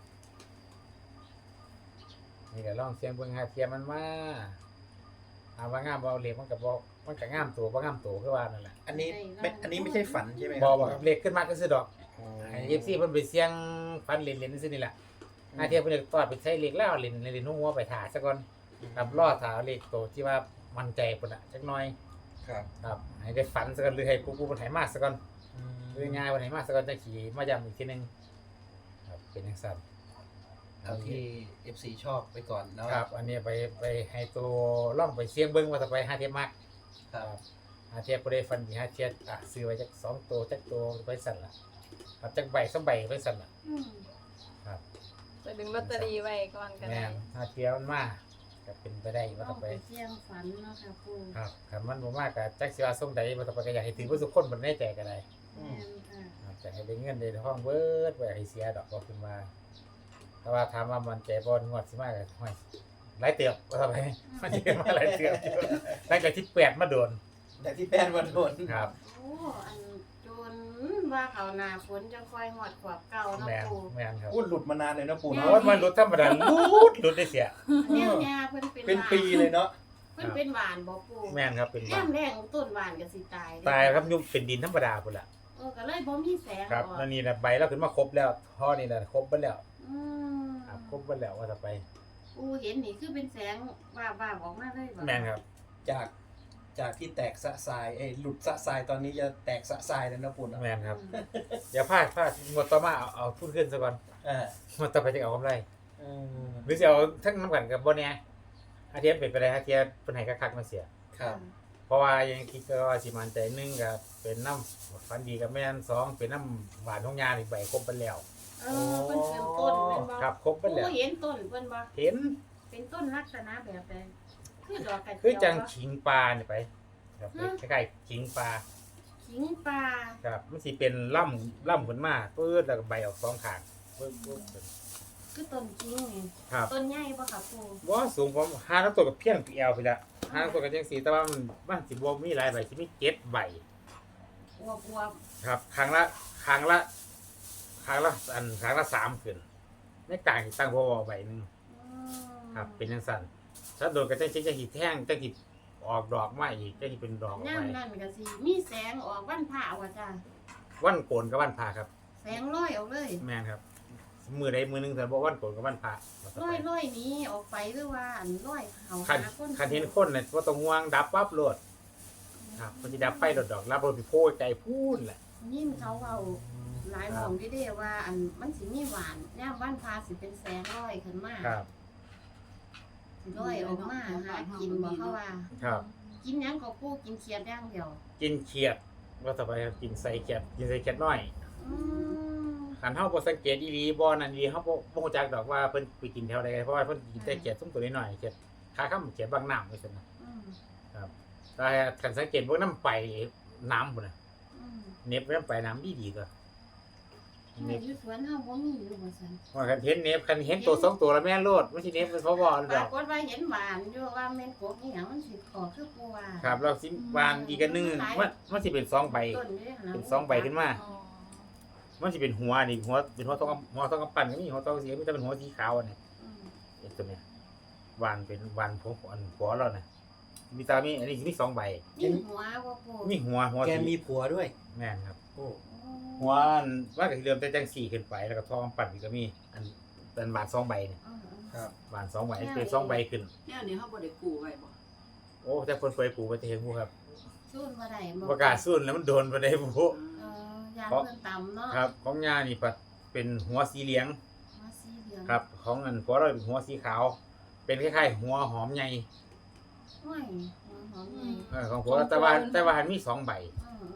S3: นี่ก็ลองเสียงเบิ่งหาเทียมมันมาถามว่างามบ่เอาเลขมันก็บ่มันก็งามตัวบ่งามตัวคือว่านั่นแหละ
S1: อันนี้ไม่ใช่ฝันใช่ไหม
S3: บ่บ่ครับเลขขึ้นมาก็ซื้อดอก
S1: อ๋อ
S3: ให้ FC เพิ่นไปเสี่ยงฟันเล่นๆซื่อนี่แหละหาเทียเพิ่นจะตอดไปใช้เลขแล้วเล่นหัวไปถ่าซะก่อนครับรอถ่าเลขโตที่ว่ามั่นใจพุ่นน่ะจักหน่อย
S1: ครับ
S3: ครับให้ได้ฝันซะก่อนหรือให้ผู้มันไหมาซะก่อน
S1: อืม
S3: หรือง่ายวันไหมาซะก่อนจะขี่มาย้ำอีกทีหนึงครับเป็นจังซั่น
S1: เอาที่ FC ชอบไปก่อนเนาะ
S3: ครับ อันนี้ไปให้ตัวล่องไปเสี่ยงเบิ่งว่าจะไปหาเทียมมัก
S1: ครับ
S3: หาเทียบบ่ได้ฟันดีหาเทียบซื้อไว้จัก2ตัวจักตัวไปสั่นล่ะครับจักใบ2ใบไปสั่นล่ะ
S2: อืม
S3: ครับ
S4: ไปดึงลอตเตอรี่ไว้ก่อนก็
S3: แม่
S4: ได้
S3: นหาเทียบมันมาก็เป็นไปได้ว่า
S2: เอา
S3: จะไป
S2: ไปเสี่ยงฝันเนาะค่ะปู
S3: ครับคันมันบ่มาก็จักสิว่าส่งใดว่าจะไปก็อยากให้ถือว่าทุกคนบ่แน่ใจก็ได้
S2: แม่นค่ะ
S3: ครับแต่ให้ได้เงินได้ทองเบิดบ่อยากให้เสียดอกบ่ขึ้นมาแต่ว่าถามว่ามันใจบ่งวดสิมาก็ห้อยหลายเติบว่าไปมันสิมาหลายเติบตั้งแต่18มาโดน
S1: แต่ที่แป้นวันโดน
S3: ครับ
S2: โอ้อันจนว่าเขาหน้าฝนจังค่อยหอดขวบเก่าเนาะ
S3: แม่น
S2: ปู
S3: แม่นครับ
S1: พูดหลุดมานานเลยนะปู่
S3: โอ้
S1: เนาะ
S3: ยมันรถธรรมดาหลุดได้เสีย
S2: แนวยาเพิ่นเป็น
S1: เป็น
S2: หวาน
S1: ปีเลยเนาะ
S2: เพิ่นเป็นหวานบ่ปู
S3: แม่นครับเป็น
S2: แย่
S3: บ้าม
S2: แรงต้นหวานก็สิตายเด้
S3: ตายครับยุ่งเป็นดินธรรมดาพุ่นล่ะ
S2: ก็เลยบ่มีแสง
S3: ครับ
S2: ออก
S3: แล้วนี่น่ะใบเราขึ้นมาครบแล้วท่อนี่น่ะครบเบิดแล้ว
S2: อืม
S3: ครับครบเบิดแล้วว่าจะไป
S2: ปูเห็นนี่คือเป็นแสงวาบๆออกมาเลยบ่
S3: แม่นครับ
S1: จากที่แตกสะสายหลุดสะสายตอนนี้จะแตกสะสายแล้วนะปู่เนาะ
S3: แม่นครับ
S2: อืม
S3: อย่าพลาดงวดต่อมาเอาทุนขึ้นซะก่อน
S1: อ่าง
S3: วดต่อไปจะเอากำไร
S1: อืม
S3: หรือสิเอาทั้งน้ำกันกับบ่แน่อาเทียบเป็นไปได้อาเทียบเพิ่นให้คักๆมาเสีย
S1: ครับ
S3: เพราะว่ายังคิดก็ว่าสิมันใจหนึงก็เป็นน้ำฟันดีกับแม่น2เป็นน้ำหวานของยาอีกใบครบเบิดแล้ว
S2: เเพิ่นเป็นต้นแม่นบ่
S3: ครับครบเบิดแล้ว
S2: ปูเห็นต้นเพิ่นบ่
S3: เห็น
S2: เป็นต้นลักษณะแบบใดคือดอกกระเจียว
S3: คือจัง
S2: บ่
S3: ขิงปลานี่ไปครับ
S2: ฮะ
S3: คล้ายๆขิงปลา
S2: ขิงปลา
S3: ครับมันสิเป็นล่ำขึ้นมาปื๊ดแล้วก็ใบออก2ข้างปึ๊บๆ
S2: คือต้นขิงนี่
S3: ครับ
S2: ต้นใหญ่บ่ค่ะปู
S3: บ่สูงผมหาน้ำตัวกับเพียงแอวไปละหาน้ำตัวกับจังสีแต่ว่ามันสิบ่มีหลายใบสิมี7ใบ
S2: อวบ
S3: ครับครั้งละ3ขึ้นในกลางสิตั้งบ่ใบหนึง
S2: ๆอืม
S3: ครับเป็นจังซั่นถ้าโดนก็จังสิแท่งจังสิออกดอกมาอีกจังสิเป็นดอกออก
S2: ย่า
S3: ไป
S2: มนั่นก็สิมีแสงออกวันพระว่าจ้า
S3: วันโกนกับวันพาครับ
S2: แสงลอยออกเลย
S3: แม่นครับมือใดมือหนึงแต่บ่วันโกนกับวันพา
S2: ลอยหนี้ออกไปหรือว่าอันลอยเขา
S3: คัน
S2: หาคน
S3: คันเห็นคนน่ะบ่ต้องห่วงดับปั๊บโลดครับมันสิดับไฟดอกๆรับรถไปโพยไกลพูนแหละ
S2: ยิ่งเขาเอาหลายหม่องที่เด้ว่าอันมันสิมีหวานย่ามวันพระสิเป็นแสงลอยขึ้นมา
S3: ครับ
S2: สิลอยออกมาหากินบ่เขาว่า
S3: ครับ
S2: กินหยังก็ปูกินเขียดอย่างเดียว
S3: กินเขียดว่าต่อไปครับกินใส่เขียดน้อย
S2: อืม
S3: คันเฮาบ่สังเกตอีหลีบ่นั่นอีหลีเฮาบ่ฮู้จักดอกว่าเพิ่นไปกินแถวใดเพราะว่าเพิ่นกินแต่เขียดซุ่มตัวน้อยๆเขียดขาค่ำเขียดบางน้ำว่าซั่นน่ะ
S2: อืม
S3: แต่คันสังเกตพวกน้ำไปน้ำพุ่นน่ะ
S2: อืม
S3: เน็บน้ำไปน้ำดีๆก็เน็บ
S2: อยู่สวนเฮาบ่มีอยู่ว่าซั่น
S3: ว่าคันเห็นเน็บคันเห็นตัว2ตัวแล้วแม่นโลดบ่สิเน็บเป็นเพราะบ่
S2: ป
S3: ด
S2: รา
S3: อก
S2: กฏว่าเห็นหวานอยู่ว่าแม่นกบอีหยังมันสิขอคือปูว่า
S3: ครับแล้วสิวานอีกอันหนึงมันสิเป็น2ใบ
S2: ต้นอยู่ด้หั่ะ
S3: เป็น2ใบขึ้นมา
S4: อ๋อ
S3: มันสิเป็นหัวนี่หัวเป็นหัวทองกำปั้นก็มีหัวทองสีมีแต่เป็นหัวสีขาวอันนี้
S2: อืม
S3: ไอ้ตัวเนี้ยวานเป็นวานผมอันหัวเราน่ะมีตามีอันนี้มี2ใบ
S2: มีหัวบ่ปู
S3: มีหัว
S1: แก
S3: สี
S1: มีผัวด้วย
S3: แม่นครับ
S1: โอ้
S3: หัวอันว่าก็สิเริ่มแต่จัง4ขึ้นไปแล้วก็ทองปั่นอีกก็มีอันเป็นบาท2ใบเนี่ย
S2: อืม
S1: ครับ
S3: บาท2ใบเป็น2ใบขึ้น
S5: แนวนี้เขาบ่ได้กู้ไว้บ่
S3: โอ้แต่เพิ่นเฟยปลูกไว้แต่เฮ็ดบ่ครับ
S2: สู้บ่ได้
S3: บ่กล้าสู้แล้วมันโดนบ่ได้บ่
S2: ยางเพิ่นต่ำเนาะ
S3: ครับ ของย่านี่ปัดเป็นหัวสีเหลือง
S2: หัวสีเหลือง
S3: ครับ ของอันหัวเราเป็นหัวสีขาว เป็นคล้ายๆหัวหอมใหญ่
S2: ห้อยหัวหอมใหญ่
S3: ของหัวแต่ว่าหันมี2ใบ
S2: อืม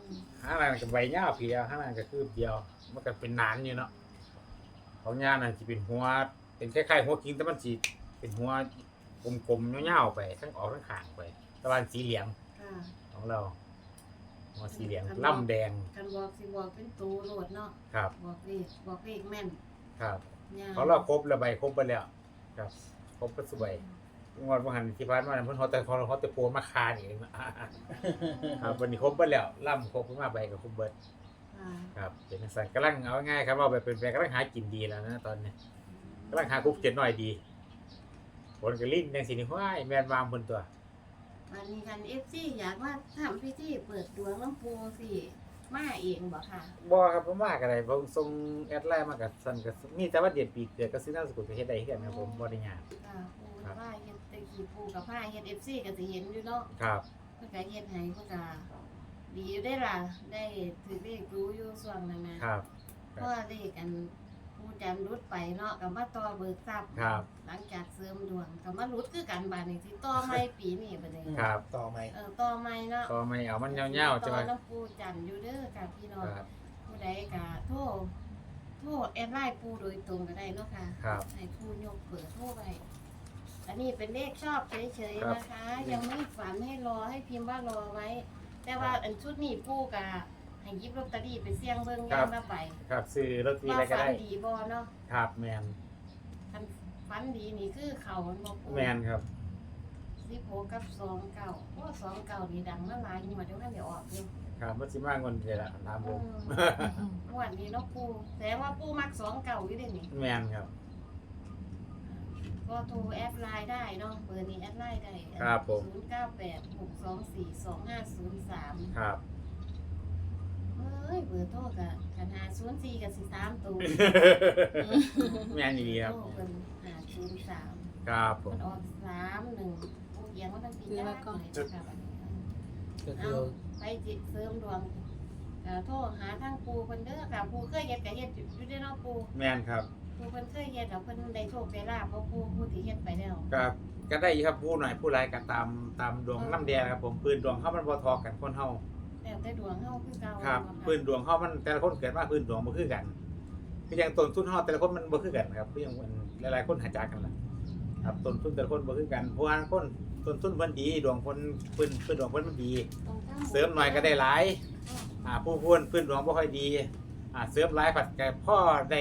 S3: ห้างนั้นก็ใบยาวเพียวห้างนั้นก็คือเดียวมันก็เป็นหนานอยู่เนาะของยาน่ะสิเป็นหัวเป็นคล้ายๆหัวคิงแต่มันสิเป็นหัวกลมๆยาวๆไปทั้งออกทั้งข้างไปตะวันสีเหลือง
S2: ค่ะ
S3: ของเราหัวสีเหลืองล่ำแดง
S2: กันบอกสิบอกเป็นตูโหลดเนาะ
S3: ครับ
S2: บอกเลขแม่น
S3: ครับ
S2: ยาว
S3: เขาเราครบแล้วใบครบไปแล้วครับครบไปสวยงวดวันหันที่ผ่านมาเพิ่นเขาแต่โพมาคานี่ครับวันนี้ครบไปแล้วล่ำครบขึ้นมาใบก็ครบเบิด
S2: ค่ะ
S3: ครับเป็นจังซั่นกำลังเอาง่ายครับว่าแบบเป็นแฟนกำลังหากินดีแล้วนะตอนนี้กำลังหาคุกเจ็ดหน่อยดีผลก็ลิ้นจังสินี่ห้ายแม่นวางเพิ่นตัว
S2: วันนี้กัน FC อยากว่าทำพิธีเปิดดวงน้ำปูสิมาเองบ่ค่ะ
S3: บ่ครับบ่มากอะไรผมส่งแอดไลน์มากับซั่นก็มีแต่ว่าเดือนปีเกิดก็ซื้อนามสกุลก็เฮ็ดได้คือกันครับผมบ่ได้ยาก
S2: ค่ะปูว่าเฮ็ดตะกี้ปูกับผ้าเฮ็ด FC ก็สิเห็นอยู่เนาะ
S3: ครับ
S2: เพิ่นก็เฮ็ดให้เพิ่นก็ดีอยู่ได้ล่ะได้ถือเลขรู้อยู่ส่วนนั้นนะครับ เพราะว่าเลขอันผู้จันรุดไปเนาะก็มาต่อเบิกทรัพย์
S3: ครับ
S2: หลังจากเสริมดวงก็มารุดคือกันบาดนี้สิต่อใหม่ปีนี้บัดนี้
S3: ครับ
S1: ต่อไหม
S2: ต่อใหม่เนาะ
S3: ก็ไม่เอามันยาวๆใช่ไหม
S2: ต่อน้ำปูจันอยู่เด้อค่ะพี่น้อง
S3: ครับ
S2: ผู้ใดก็โทรแอดไลน์ปูโดยตรงก็ได้เนาะค่ะ
S3: ครับ
S2: ให้ปูยกเปิดโทรไปอันนี้เป็นเลขชอบเฉย
S3: ครับ
S2: ๆนะคะ ยังไม่ฝันให้รอให้พิมพ์ว่ารอไว้ แต่ว่าอันชุดนี้ปูกะให้หยิบลอตเตอรี่ไปเสี่ยงเบิ่งย่างละใบ
S3: ครับซื้อลอตเตอรี่
S2: ว่า
S3: อะไรก็
S2: ฝัน
S3: ได้
S2: ดีบ่เนาะ
S3: ครับแมน
S2: คันฝันดีนี่คือเขามันบ่ปู
S3: แมนครับ
S2: 16กับ29เพราะ29นี่ดังมาหลายงวดเดี๋ยวกันเดี๋ยวออกอยู่
S3: ครับมันสิมากเงินเดือนละถามผม
S2: งวดนี้เนาะปูแต่ว่าปูมัก29อยู่เด้นี่
S3: แมนครับ
S2: ก็โทรแอดไลน์ได้เนาะเบอร์นี้แอดไลน์ได้
S3: ครับผม
S2: 0986242503
S3: ครับ
S2: เอ้ยเบอร์โทรกับกัน504กับ13ตัว
S3: แมนดีครับ
S2: โทรเพิ่น503
S3: ครับผ
S2: มั
S3: ม
S2: นออก31โอ้เอียงว่าตั้งปียากเลยนะครับอันนี้
S1: ก็คื
S2: เอา
S1: อ
S2: ไปจิตเสริมดวงโทรหาทางปูเพิ่นเด้อค่ะปูเคยเฮ็ดก็เฮ็ดอยู่ได้เนาะปู
S3: แมนครับ
S2: ปูเพิ่นเคยเฮ็ดแล้วเพิ่นได้โชคได้ลาภเพราะปูผู้ที่เฮ็ดไปแล้ว
S3: ก็ก็ได้ครับผู้หน่อยผู้ไรายก็ตามดวงน้ำแดงครับผมปืนดวงเขามันบ่ทอกันคนเฮา
S2: แล้วแต่ดวงเฮาคือเก่า
S3: ครับ
S2: เนาะ
S3: ปืนดวงเขามันแต่ละคนเกิดมาปืนดวงบ่คือกันคืออย่างต้นทุนเฮาแต่ละคนมันบ่คือกันครับคืออย่างมันหลายๆคนหาจากกันล่ะครับต้นทุนแต่ละคนบ่คือกันเพราะว่าคนต้นทุนเพิ่นดีดวงเพิ่นปืนดวงเพิ่นมันดี
S2: ต้องทำบุญ
S3: เสริมหน่อยก็ได้หลายผู้พูนพื้นดวงบ่ค่อยดีเสริมหลายผัดก็พ่อได้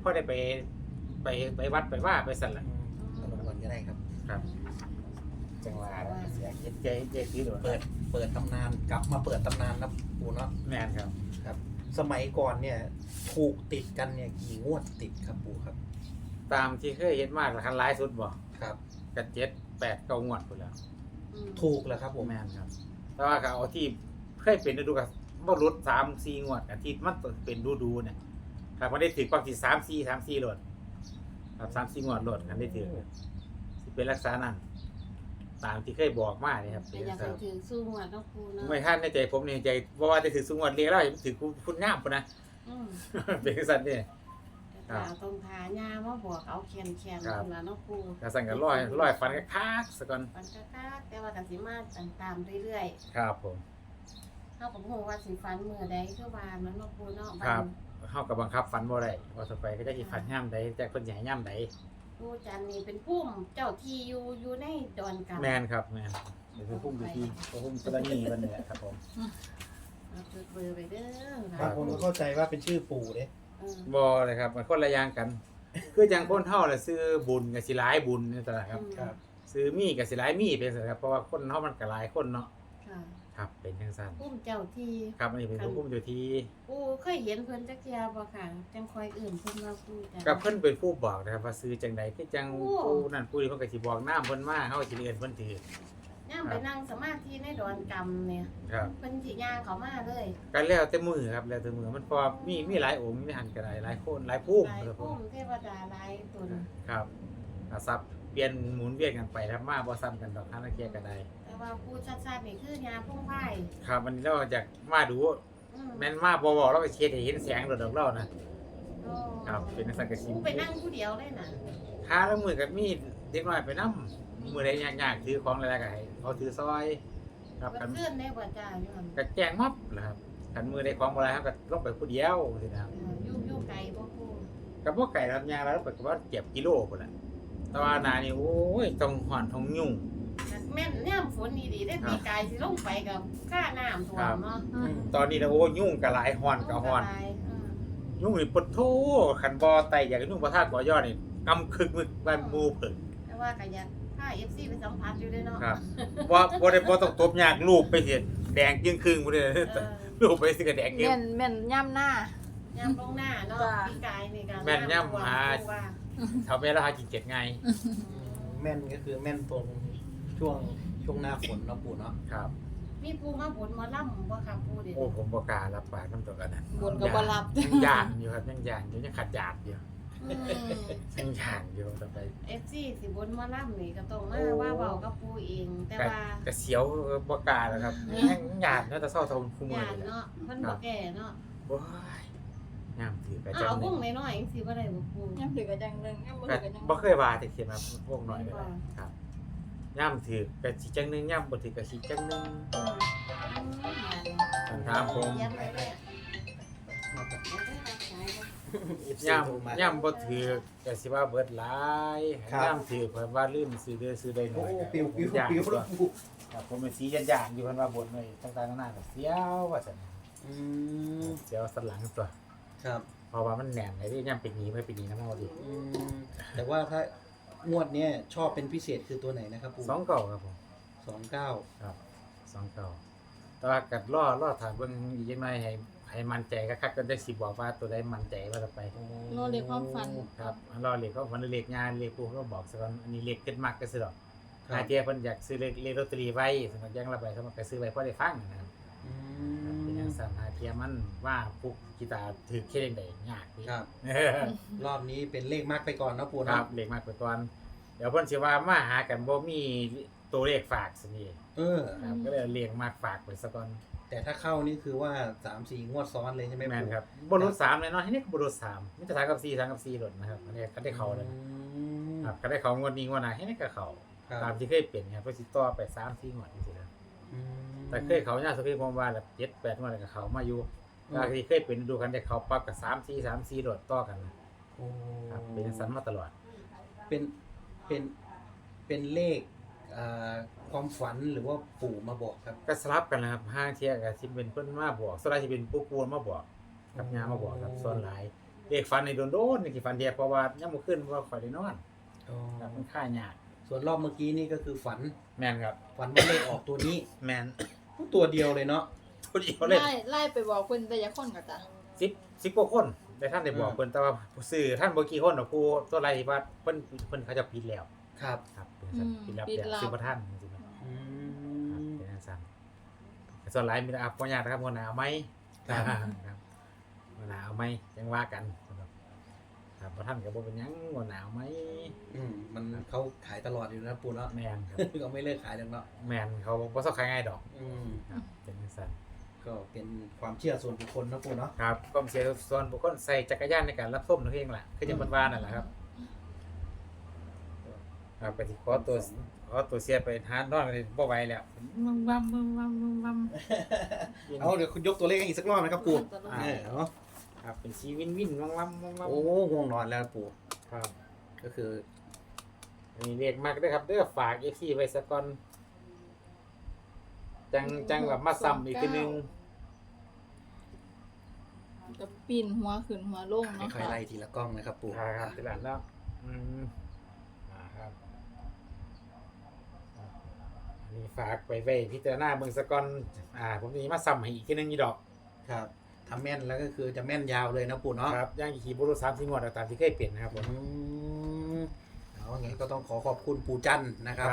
S3: ไปวัดไปว่าไปสั่นล่ะ
S1: ตำรวจก็ได้ครับ
S3: ครับจังหวะเสียใจคือโดน
S1: เปิดตำนานกลับมาเปิดตำนานนะปูเนาะ
S3: แม่นครับ
S1: ครับ สมัยก่อนเนี่ยถูกติดกันเนี่ยกี่งวดติดครับปูครับ
S3: ตามที่เคยเห็นมาคันหลายสุดบ่
S1: ครับ
S3: ก็7 8 9งวดพุ่นแล้ว
S2: อืม
S1: ถูกแล้วครับผม
S3: แม่นครับ แต่ว่าก็เอาที่เคยเป็นฤดูก็บ่หลุด3 4งวดอาทิตย์มันเป็นดูๆเนี่ยครับมันได้ถึงความที่3 4โหลดครับ3 4งวดโหลดกันได้ถึงสิเป็นลักษณะนั้นตามที่เคยบอกมานี่ครับ
S2: แต่อยากให้ถือสู้หัวต้องปูเนาะ
S3: ไม่ท่านในใจผมในใจบ่ว่าจะถือสุงวดเรียกแล้วถือคุณงามพุ่นนะ
S2: อืม
S3: เป็นจังซั่นเด้
S2: แต่ตาตรงทาญามาบอกเอาแคนๆ
S3: ครับ
S2: นั่นล่ะเนาะปู
S3: ก็สั่งกันร้อยฟันคักๆซะก่อน
S2: มันก็คักแต่ว่าก็สิมาตามเรื่อย
S3: ครับผม
S2: ๆเฮาก็บ่ฮู้ว่าสิฝันมื้อใดคือว่ามันเนาะปูเนาะ
S3: ครับเฮาก็บังคับฟันบ่ได้ว่าต่อไปก็จะสิฟันยามใดแต่เพิ่นสิให้ยามใด
S2: ปูจันนี่เป็นผู้เจ้าที่อยู่ในดอนกำ
S3: แม่นครับแม่นเดี๋ยวคือพุ่มอยู่ที่พุ่มกรณีเพิ่นนี่แหละครับผม
S2: เอาจดเบอร์ไปเด้อ
S1: บางคนก็เข้าใจว่าเป็นชื่อปู่เด้
S2: เออ
S3: บ่เลยครับมันคนละอย่างกัน คือจังคนเฮาน่ะซื้อบุญก็สิหลายบุญนี่ตลาดครับ
S1: ครับ
S3: ซื้อมีก็สิหลายมีเป็นซั่นครับเพราะว่าคนเฮามันก็หลายคนเนาะ
S2: ค่ะ
S3: ครับเป็นจังซั่น
S2: ผู้เจ้าที่
S3: ครับอันนี้เป็นพุ่มอยู่ที่
S2: ปูเคยเห็นเพิ่นจักเที่ยบ่ค่ะจังคอยเอื่นเพิ่นว่าปูจัน
S3: กับเพิ่นเป็นผู้บอกนะครับว่าซื้อจังใดคือจัง
S2: โอ้
S3: ผู้นั่นผู้นี้เพิ่นก็สิบอกน้ำเพิ่นมาเฮาสิเรียนเพิ่นถือย่
S2: ามไปนั่งสมาธิในดอนกำเนี่ย
S3: ครับ
S2: เพิ่นสิย่างเขามาเลย
S3: ก็แล้วแต่มือครับแล้วแต่มือมันพอมีหลายองค์มีหันก็ได้หลายคนหลายภูมิ
S2: หลาย
S3: ครับผ
S2: พุ่
S3: ม
S2: มเทวดาหลายตน
S3: ครับอาซับเปลี่ยนหมุนเวียนกันไปครับมาบ่ซ้ำกันดอกทางละเกียก็ได้
S2: แต่ว่าปูชัดๆนี่คือยาพุ่งไผ่
S3: ครับวันนี้เราอยากมาดู
S2: อืม
S3: แม่นมาบ่บอกเราก็เช็ดให้เห็นแสงโดดดอกเรานะ
S2: โอ้
S3: ครับเป็นสังกะสี
S2: ปูไปนั่งผู้เดียวเลยน่ะ
S3: หาแล้วมือก็มีเด็กน้อยไปนำมื้อใดยากๆถือของอะไรก็ให้เขาถือซอยครับ
S2: เพิ่
S3: กัน
S2: นขึ้นได้บ่จ้าอยู่หั่น
S3: ก็แจ้งมับแหละครับคันมือได้ของบ่หลายเฮาก็ลงไปผู้เดียวสินะครับ
S2: อยู่ไกลบ่ปู
S3: ก็บ่ไก่รับยางแล้วไปก็ว่าเก็บกิโลพุ่นน่ะแต่ว่าหนานี่โอ้ยต้องฮ้อนต้องยุ่ง
S2: แม่นยามฝนดีๆได้ปีกายสิลงไปกับค่าน้ำท่วมเนาะ
S3: ตอนนี้นะโอ้ยุ่งก็หลายฮ้อนก็ฮ้อนยุ่งนี่ปดโทคันบ่ไตอยากยุ่งบ่ทาดบ่ยอดนี่กำคึกมึกบ้านหมู่เพิ่น
S2: แต่ว่าก็อยากพา FC ไปสัมผัสอยู่ด้วยเนาะ
S3: ครับบ่ต้องตบยากรูปไปสิแดงจึงครึ่งบ่ได้รูปไปสิก็แดงเกม
S4: แม่นย่ำหน้า
S2: ยามลงหน้าเนาะ
S4: จ้ะ
S2: ปีกายนี่ก็
S3: แม่นย่ำหา
S2: ว่า
S3: เท่าแม่เราหากินเก็ดไง
S1: แม่นก็คือแม่นตรงช่วงหน้าฝนเนาะปู่เนาะ
S3: ครับ
S2: มีปูมาบนมาล่ำบ่ครับปูเด็ด
S3: โอ้ผมบ่กล้ารับปากนำตัวกันนั้น
S4: บนก็บ่รับ
S3: ยังย่านอยู่ครับยังย่านอยู่ยังขัดยาดอยู่ยังย่านอยู่ต่อไป
S2: FC สิบนมาล่ำนี่ก็ต้องมาว่าเว้ากับปูเองแต่ว่า
S3: ก็เสียวบ่กล้าแล้วครับยังย่านเนาะแต่เศร้าเท่าคู่มือ
S2: ญาติ
S3: นี่แหละ
S2: เนาะมันบ่แก่เนาะ
S3: โอ้ยยามถือก็จัง
S2: เอา
S3: ห
S2: ว
S3: นึ
S2: ง
S3: ง
S2: น้อยๆจังซี่บ่ได้บ่ปู
S4: ย่ำถือกันจังหนึงย่ำบ่
S3: ก็
S4: ถือกันจัง
S3: บ่เคยว่าแต่เขียนมาพวกน้อยเลยครับยามถือก็สิจังหนึงยามบ่ถือก็สิจังหนึง ถามผม
S2: ย้ำไว้เลย
S3: ย่ำบ่ถือก็สิว่าเบิดหลายย่ำถือเพิ่นว่าลืมซื้อเด้อซื้อได้หน่
S1: โอ้
S3: อย
S1: ปิวปิว
S3: ย่าง
S1: ปิวแล้วปู่
S3: ครับผมเป็นสีย่างๆอยู่เพิ่นว่าบ่นไว้ต่างๆนานาก็เสียวว่าซั่น
S1: อืม
S3: เสียวสันหลังตัว
S1: ครับ
S3: เพราะว่ามันแหน่นไอ้ที่ย่ำเป็นหนีไปเป็นหนีนำเฮาดิ
S1: อืมแต่ว่าถ้างวดเนี้ยชอบเป็นพิเศษคือตัวไหนนะครับปู่
S3: 2เก่าครับผม
S1: 29
S3: ครับ2เก่าแต่ว่าก็รอถามเบิ่งอีกจังหน่อยให้มั่นใจคักๆก็ได้สิบอกว่าตัวใดมั่นใจว่าจะไป
S4: รอเลขความฝัน
S3: ครับรอเลขเขาฝันเลขงานเลขผู้เขาบอกซะก่อนอันนี้เลขเกิดมักก็ซื้อดอก
S1: ครั
S3: หา
S1: บ
S3: เทียเพิ่นอยากซื้อเลขลอตเตอรี่ไว้สำหรับยังละใบสำหรับไปซื้อไว้พอได้ฟังนะครับ
S1: อื
S3: เป็น
S1: ม
S3: จังซั่นหาเทียมันว่าปุ๊กกีตาร์ถือแค่ใดยากพี่
S1: ครับ รอบนี้เป็นเลขมากไปก่อนนะปู่
S3: ค
S1: นะ
S3: รับเลขมากไปก่อนเดี๋ยวเพิ่นสิว่ามาหากันบ่มีตัวเลขฝากสินี่
S1: เออ
S3: ครับก็เลยเลขมากฝากไปซะก่อน
S1: แต่ถ้าเข้านี่คือว่า 3-4 งวดซ้อนเลยใช่ไหม
S3: แม่น
S1: ปู่
S3: ครับบ่รุด3แน่นอนให้นี่ก็บ่รุด3มีแต่3กับ4 3กับ4หลดนะครับอันนี้ก็ได้เข้าแล้ว
S1: อืม
S3: ครับก็ได้เข้างวดนี้งวดหน้าให้นี่ก็เข้า
S1: ครับ
S3: ตามที่เคยเป็นครับเพิ่นสิต่อไป3-4งวดจังซี่นะ
S1: อืม
S3: แต่เคยเขาเนี่ยสุขีผมว่าแบบ7-8งวดแล้วก็เขามาอยู่
S1: อืม
S3: ก็ที่เคยเป็นดูกันได้เขาปั๊บกับ3-4 โดดต่อกัน
S1: โอ้
S3: ครับเป็นจังซั่นมาตลอด
S1: เป็นเป็นเลขอ่าความฝันหรือว่าปู่มาบอกครับ
S3: ก็สลับกันนะครับห้างเที่ยก็สิเป็นเพิ่นมาบอกส่วนหลายสิเป็นปู่ปูนมาบอกกับย่ามาบอกครับส่วนหลายเลขฝันนี่โดนๆนี่สิฝันเดียวเพราะว่ายามมื้อคืนว่าข่อยได้นอนครับมันค่ายาก
S1: ส่วนรอบเมื่อกี้นี่ก็คือฝัน
S3: แม่นครับ
S1: ฝันว่าเลขออกตัวนี้
S3: แม่น
S1: ตัวเดียวเลยเนาะ
S3: ผู้เดียวเลย
S4: ไล่ไปบอกเพิ่นแต่อย่าคนก็จ้ะ
S3: 10กว่าคนแต่ท่านได้บอกเพิ่นแต่ว่าผู้ซื้อท่านบ่กี่คนดอกผู้ตัวไรว่าเพิ่นเขาจะปิดแล้ว
S1: ครับ
S3: ครับเป็นจังซั่นปิดแล้วซื้อบ่ทันจังซี่นะ
S1: อื
S3: ครับ
S1: ม
S3: เป็นจังซั่นแต่ส่วนหลายมีแต่บ่ยากนะครับบ่หนาวไหม
S1: ครับ
S3: ครับบ่หนาวไหมจังว่ากันครับบ่ทันก็บ่เป็นหยังบ่หนาวไหม
S1: มันเขาขายตลอดอยู่นะปู่เนาะ
S3: แม่นครับ
S1: เขาไม่เลิกขายแล้วเนาะ
S3: แม่นเขาบ่ซอกขายง่ายดอก
S1: ครับ
S3: เป็นจังซั่น
S1: ก็เป็นความเชื่อส่วนบุคคลนะปู่เนาะ
S3: ครับความเสียส่วนบุคคลใส่จักรยานในการรับส้มนั่นเองล่ะคือจังเพิ่นว่านั่นแหละครับครับก็สิขอตัวเสียไปหานอนกันบ่ไหวแล้ววัม
S1: เอาเดี๋ยวคุณยกตัวเลขให้อีกสักรอบนะครับปู่ เนาะ
S3: ครับเป็นชีวินวัม
S1: โอ้ง่วงนอนแล้วปู่
S3: ครับ
S1: ก็คือ
S3: อันนี้เรียกมากเด้อครับเด้อฝาก FC ไว้ซะก่อนจังแบบมาซ้ำอีกทีนึง
S4: ก็ปีนหัวขึ้นหัวลงเนาะ
S1: ค่อยๆไล่ทีละกล้องนะครับปู่
S3: ครับทีหลังแล้วครับอันนี้ฝากไปไว้พิจารณาเบิ่งซะก่อนผมสิมาซ้ำให้อีกทีนึงอีดอก
S1: ครับทำแม่นแล้วก็คือจะแม่นยาวเลยนะปู่เนาะ
S3: ครับย่างขี่บุรุษ3-4งวดตามที่เคยเปลี่ยนนะครับผม
S1: เอาไงก็ต้องขอขอบคุณปู่จันทร์นะครับ